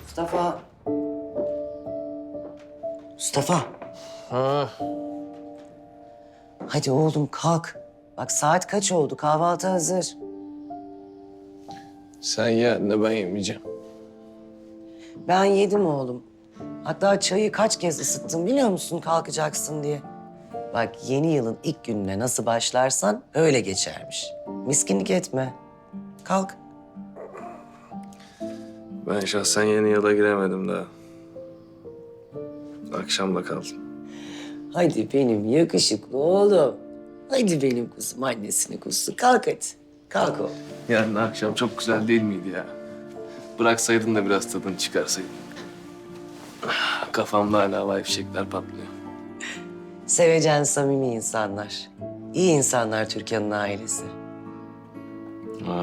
Mustafa. Mustafa. Ha, Hadi oğlum kalk. Bak saat kaç oldu? Kahvaltı hazır. sen ye anne, ben yemeyeceğim. Ben yedim oğlum. Hatta çayı kaç kez ısıttım biliyor musun kalkacaksın diye. Bak yeni yılın ilk gününe nasıl başlarsan öyle geçermiş. Miskinlik etme. Kalk. Ben şahsen yeni yıla giremedim daha. Akşam da kaldım. Hadi benim yakışıklı oğlum. Hadi benim kuzum annesini kuzu. Kalk hadi. Kalk oğlum. Yarın akşam çok güzel değil miydi ya? Bıraksaydın da biraz tadını çıkarsaydın. Kafamda hala havai fişekler patlıyor. Sevecen, samimi insanlar. İyi insanlar Türkan'ın ailesi. Ha.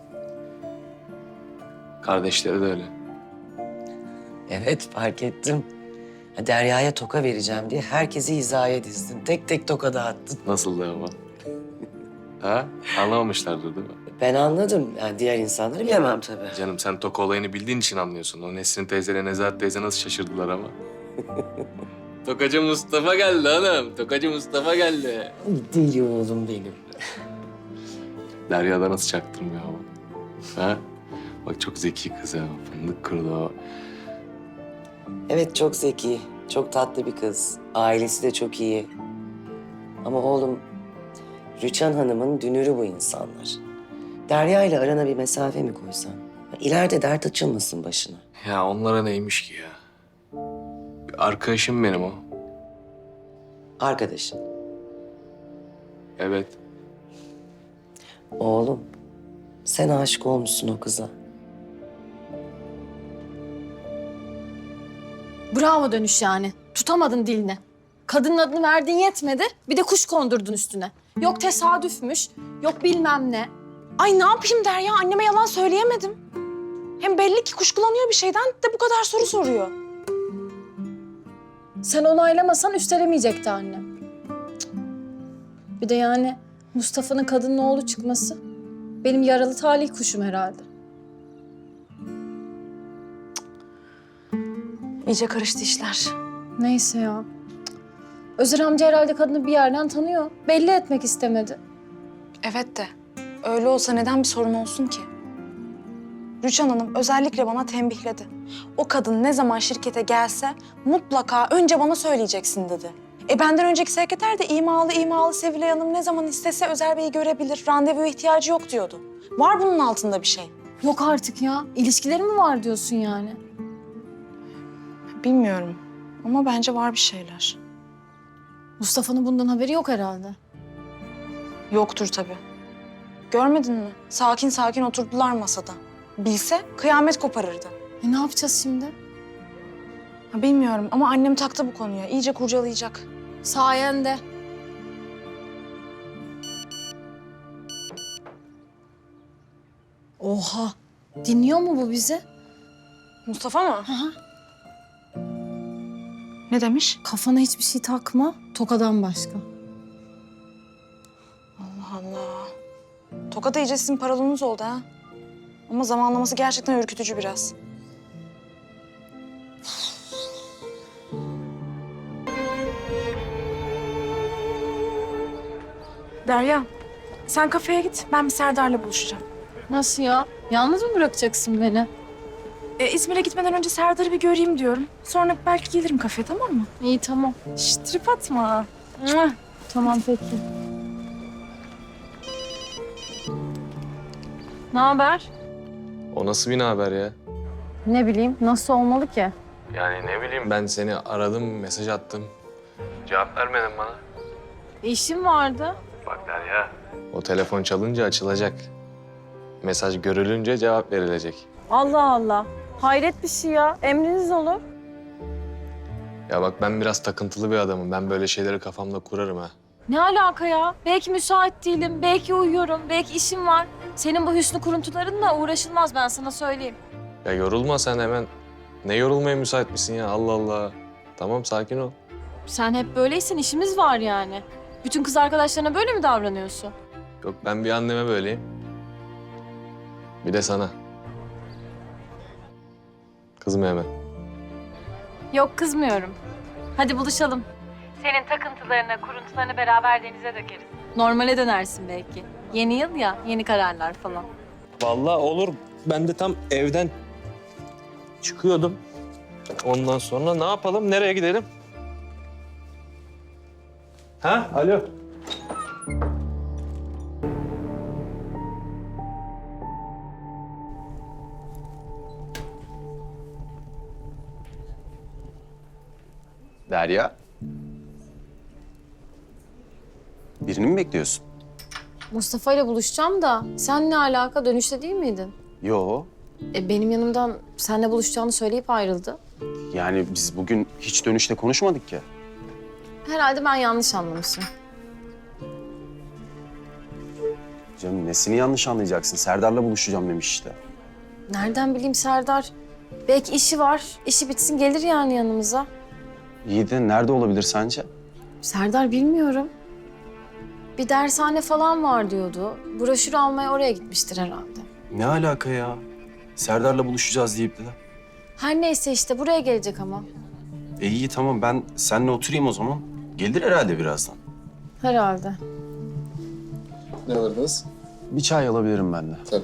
Kardeşleri de öyle. Evet fark ettim. Ha, Derya'ya toka vereceğim diye herkesi hizaya dizdin. Tek tek toka dağıttın. Nasıldı ama? Ha? Anlamamışlardır değil mi? Ben anladım. Yani diğer insanları bilemem tabii. Canım sen Toka olayını bildiğin için anlıyorsun. O Nesrin teyzeyle Nezahat teyze nasıl şaşırdılar ama. Tokacı Mustafa geldi hanım. Tokacı Mustafa geldi. Deli oğlum benim. Derya'da nasıl çaktırmıyor ama. Ha? Bak çok zeki kız ha. Fındık kırdı o. Evet çok zeki, çok tatlı bir kız. Ailesi de çok iyi. Ama oğlum, Rüçhan Hanım'ın dünürü bu insanlar. Derya ile arana bir mesafe mi koysan? İleride dert açılmasın başına. Ya onlara neymiş ki ya? Bir arkadaşım benim o. Arkadaşın. Evet. Oğlum, sen aşık olmuşsun o kıza. Bravo dönüş yani. Tutamadın dilini. Kadının adını verdiğin yetmedi. Bir de kuş kondurdun üstüne. Yok tesadüfmüş, yok bilmem ne. Ay ne yapayım Derya? Anneme yalan söyleyemedim. Hem belli ki kuşkulanıyor bir şeyden de bu kadar soru soruyor. Sen onaylamasan üstelemeyecekti annem. Cık. Bir de yani Mustafa'nın kadının oğlu çıkması benim yaralı talih kuşum herhalde. İyice karıştı işler. Neyse ya. Cık. Özer amca herhalde kadını bir yerden tanıyor. Belli etmek istemedi. Evet de öyle olsa neden bir sorun olsun ki? Rüçhan Hanım özellikle bana tembihledi. O kadın ne zaman şirkete gelse mutlaka önce bana söyleyeceksin dedi. Benden önceki sekreter de imalı Sevilay Hanım ne zaman istese Özer Bey'i görebilir, randevuya ihtiyacı yok diyordu. Var bunun altında bir şey. Yok artık ya. İlişkileri mi var diyorsun yani? Bilmiyorum ama bence var bir şeyler. Mustafa'nın bundan haberi yok herhalde. Yoktur tabii. Görmedin mi? Sakin sakin oturdular masada. Bilse kıyamet koparırdı. Ne yapacağız şimdi? Bilmiyorum ama annem taktı bu konuya. İyice kurcalayacak. Sayende. Oha. Dinliyor mu bu bizi? Mustafa mı? Aha. Ne demiş? Kafana hiçbir şey takma. Tokadan başka. Allah Allah. Tokat iyice sizin paralonunuz oldu ha. Ama zamanlaması gerçekten ürkütücü biraz. Derya, sen kafeye git. Ben bir Serdar'la buluşacağım. Nasıl ya? Yalnız mı bırakacaksın beni? İzmir'e gitmeden önce Serdar'ı bir göreyim diyorum. Sonra belki gelirim kafeye, tamam mı? İyi tamam. Şşt, trip atma. Tamam peki. Ne haber? O nasıl bir haber ya? Ne bileyim. Nasıl olmalı ki? Yani ne bileyim, ben seni aradım, mesaj attım. Cevap vermedin bana. İşim vardı. Bak Derya. O telefon çalınca açılacak. Mesaj görülünce cevap verilecek. Allah Allah. Hayret bir şey ya. Emriniz olur. Ya bak, ben biraz takıntılı bir adamım. Ben böyle şeyleri kafamda kurarım ha. Ne alaka ya? Belki müsait değilim, belki uyuyorum, belki işim var. Senin bu hüsnü kuruntularınla uğraşılmaz, ben sana söyleyeyim. Ya yorulma sen hemen. Ne yorulmaya müsait misin ya? Allah Allah. Tamam, sakin ol. Sen hep böyleysen işimiz var yani. Bütün kız arkadaşlarına böyle mi davranıyorsun? Yok, ben bir anneme böyleyim. Bir de sana. Kızma hemen. Yok kızmıyorum. Hadi buluşalım. Senin takıntılarını, kuruntularını beraber denize dökeriz. Normale dönersin belki. Yeni yıl ya, yeni kararlar falan. Vallahi olur. Ben de tam evden çıkıyordum. Ondan sonra ne yapalım? Nereye gidelim? Ha? Alo. Derya. Birini mi bekliyorsun? Mustafa ile buluşacağım da sen ne alaka, dönüşte değil miydin? Yo. Benim yanımdan seninle buluşacağını söyleyip ayrıldı. Yani biz bugün hiç dönüşte konuşmadık ki. Herhalde ben yanlış anlamışım. Canım nesini yanlış anlayacaksın? Serdar'la buluşacağım demiş işte. Nereden bileyim Serdar? Belki işi var. İşi bitsin gelir yani yanımıza. İyi de nerede olabilir sence? Serdar bilmiyorum. Bir dershane falan var diyordu. Broşür almaya oraya gitmiştir herhalde. Ne alaka ya? Serdar'la buluşacağız deyip de. Her neyse işte buraya gelecek ama. İyi tamam ben seninle oturayım o zaman. Gelir herhalde birazdan. Herhalde. Ne alırdınız? Bir çay alabilirim ben de. Tabii.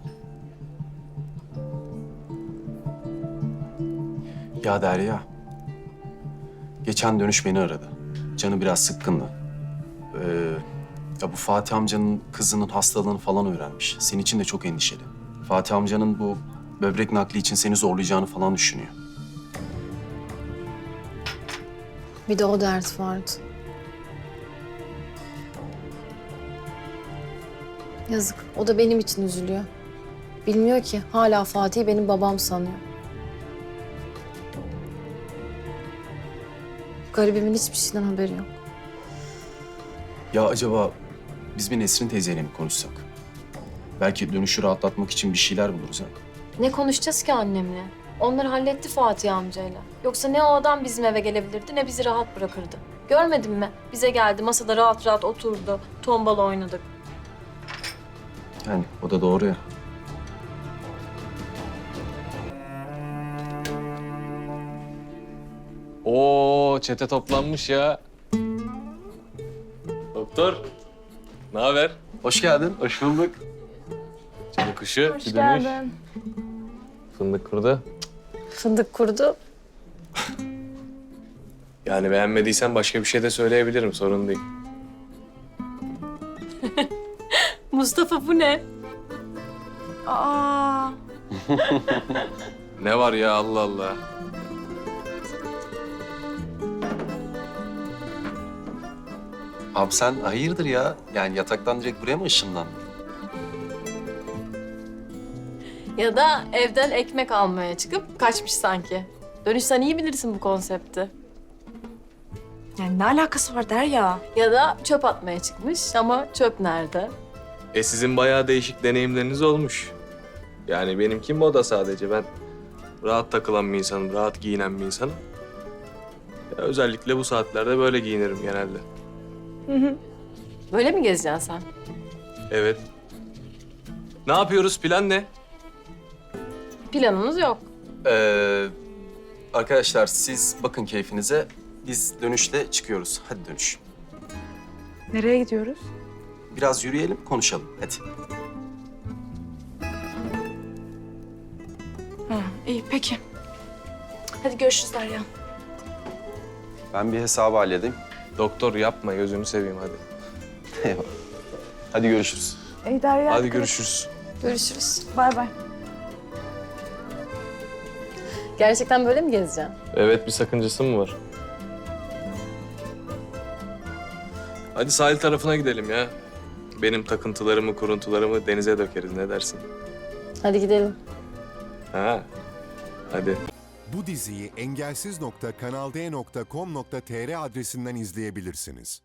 Ya Derya. Geçen dönüş beni aradı. Canı biraz sıkkındı. Ya bu Fatih amcanın kızının hastalığını falan öğrenmiş. Senin için de çok endişeli. Fatih amcanın bu böbrek nakli için seni zorlayacağını falan düşünüyor. Bir de o dert vardı. Yazık. O da benim için üzülüyor. Bilmiyor ki hala Fatih'i benim babam sanıyor. Garibimin hiçbir şeyden haberi yok. Ya acaba biz bir Nesrin teyzeyle mi konuşsak? Belki dönüşü rahatlatmak için bir şeyler buluruz ha. Ne konuşacağız ki annemle? Onları halletti Fatih amcayla. Yoksa ne o adam bizim eve gelebilirdi ne bizi rahat bırakırdı. Görmedin mi? Bize geldi, masada rahat rahat oturdu. Tombala oynadık. Yani o da doğru ya. Oo, çete toplanmış ya. Doktor, ne haber? Hoş geldin. Hoş bulduk. Canı kuşu, Hoş bir dönüş. geldin. Fındık kurdu. Fındık kurdu. Yani beğenmediysen başka bir şey de söyleyebilirim, sorun değil. Mustafa bu ne? Aa, Ne var ya, Allah Allah. Abi sen hayırdır ya? Yani yataktan direkt buraya mı ışınlandın? Ya da evden ekmek almaya çıkıp kaçmış sanki. Dönüş sen iyi bilirsin bu konsepti. yani ne alakası var Derya? Ya da çöp atmaya çıkmış ama çöp nerede? Sizin bayağı değişik deneyimleriniz olmuş. Yani benimki moda sadece. Ben rahat takılan bir insanım, rahat giyinen bir insanım. Ya özellikle bu saatlerde böyle giyinirim genelde. Böyle mi gezeceksin sen? Evet. Ne yapıyoruz? Plan ne? Planımız yok. Arkadaşlar siz bakın keyfinize. Biz dönüşte çıkıyoruz. Hadi dönüş. Nereye gidiyoruz? Biraz yürüyelim, konuşalım. Hadi. Ha, iyi peki. Hadi görüşürüz Derya. Ben bir hesabı halledeyim. Doktor yapma, gözünü seveyim hadi. Eyvallah. Hadi görüşürüz. İyi Derya. Hadi görüşürüz. Görüşürüz. Bay bay. Gerçekten böyle mi gezeceksin? Evet, bir sakıncası mı var? Hadi sahil tarafına gidelim ya. Benim takıntılarımı, kuruntularımı denize dökeriz. Ne dersin? Hadi gidelim. Ha? Hadi. Bu diziyi engelsiz.kanalde.com.tr adresinden izleyebilirsiniz.